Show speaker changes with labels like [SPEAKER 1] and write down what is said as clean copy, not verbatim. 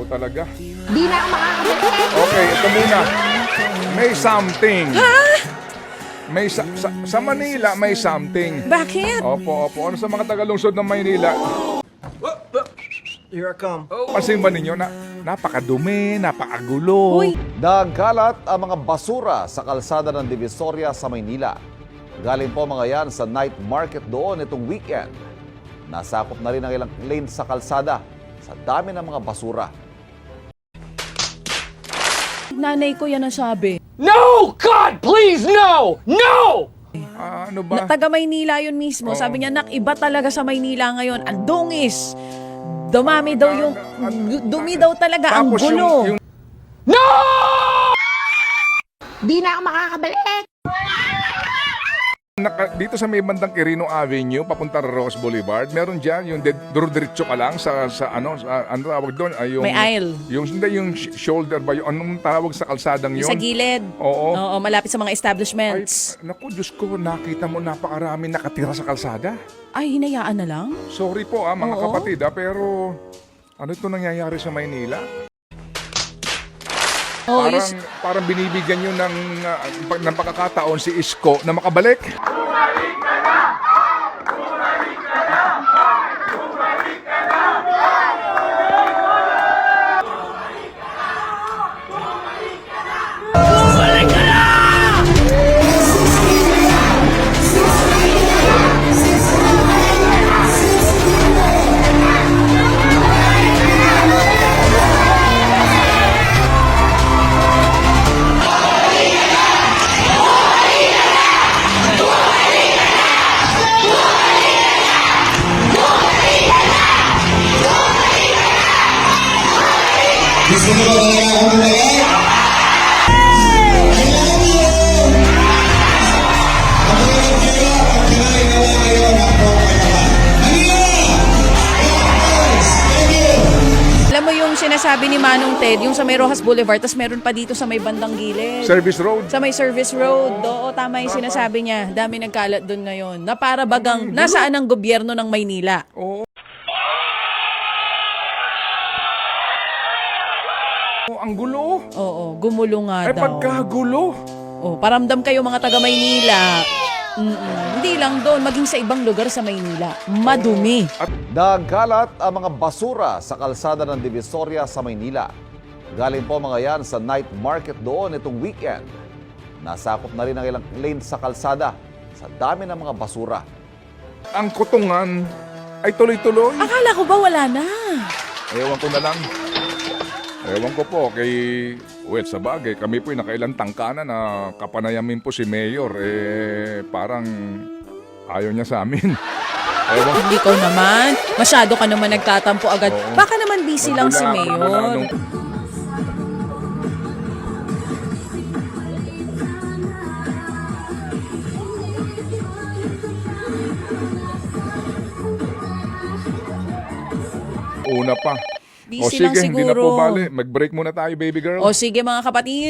[SPEAKER 1] talaga.
[SPEAKER 2] Di na ako makakabalik.
[SPEAKER 1] Okay, ito muna. May something. May sa Manila may something.
[SPEAKER 3] Bakit?
[SPEAKER 1] Opo. Ano sa mga tagalungsod ng Maynila?
[SPEAKER 4] Here I come.
[SPEAKER 1] Pansin ba ninyo na napakadumi, napakagulo?
[SPEAKER 3] Uy.
[SPEAKER 5] Nagkalat ang mga basura sa kalsada ng Divisoria sa Maynila. Galing po mga yan sa night market doon itong weekend. Nasakop na rin ang ilang lane sa kalsada sa dami ng mga basura.
[SPEAKER 3] Nanay ko yan ang sabi.
[SPEAKER 4] No! God, please, no! No!
[SPEAKER 1] Ano ba?
[SPEAKER 3] Taga Maynila yun mismo. Sabi niya, nak, iba talaga sa Maynila ngayon. Ang dungis. Dumami daw yung... Dumi daw talaga. Ang
[SPEAKER 1] Tapos
[SPEAKER 3] gulo.
[SPEAKER 4] No!
[SPEAKER 2] Di na ako makakabalik.
[SPEAKER 1] Dito sa may bandang Quirino Avenue, papunta Rose Boulevard, meron diyan yung diretso ka lang sa ano tawag doon ay yung
[SPEAKER 3] May aisle.
[SPEAKER 1] Yung shoulder ba yung anong tawag sa kalsadang yun?
[SPEAKER 3] Sa gilid.
[SPEAKER 1] Oo.
[SPEAKER 3] Oo, malapit sa mga
[SPEAKER 1] Ay,
[SPEAKER 3] establishments.
[SPEAKER 1] naku, Diyos ko, nakita mo napakarami nakatira sa kalsada.
[SPEAKER 3] Ay, hinayaan na lang?
[SPEAKER 1] Sorry po mga
[SPEAKER 3] Oo.
[SPEAKER 1] kapatid pero ano ito nangyayari sa Maynila?
[SPEAKER 3] Oh,
[SPEAKER 1] Parang binibigyan nyo ng pagkakataon si Isko na makabalik.
[SPEAKER 3] Alam mo yung sinasabi ni Manong Ted, yung sa may Rojas Boulevard, tas meron pa dito sa may bandang gilid.
[SPEAKER 1] Service Road.
[SPEAKER 3] Sa may service road. Oo, tama yung sinasabi niya. Dami nagkalat doon ngayon. Na para bagang nasaan ang gobyerno ng Maynila.
[SPEAKER 1] Oo. Ang gulo.
[SPEAKER 3] Oo, gumulo nga
[SPEAKER 1] Ay,
[SPEAKER 3] daw.
[SPEAKER 1] pagkagulo.
[SPEAKER 3] Oh, paramdam kayo mga taga Maynila. Hindi lang doon, maging sa ibang lugar sa Maynila. Madumi.
[SPEAKER 5] Nagkalat ang mga basura sa kalsada ng Divisoria sa Maynila. Galing po mga yan sa night market doon itong weekend. Nasakop na rin ang ilang lane sa kalsada sa dami ng mga basura.
[SPEAKER 1] Ang kutungan ay tuloy-tuloy.
[SPEAKER 3] Akala ko ba wala na?
[SPEAKER 1] Ewan ko na lang. Ewan ko po kay... Well, sa bagay, kami po'y nakailang tangkana na kapanayamin po si Mayor. Parang ayaw niya sa amin. Ewan ko.
[SPEAKER 3] Hindi ko naman. Masyado ka naman nagtatampo agad.
[SPEAKER 1] Oo.
[SPEAKER 3] Baka naman busy lang si
[SPEAKER 1] Magmula
[SPEAKER 3] Mayor.
[SPEAKER 1] nung- Una pa.
[SPEAKER 3] Busy lang
[SPEAKER 1] sige, hindi na po
[SPEAKER 3] siguro.
[SPEAKER 1] bali. Mag-break muna tayo, baby girl.
[SPEAKER 3] O sige mga kapatid.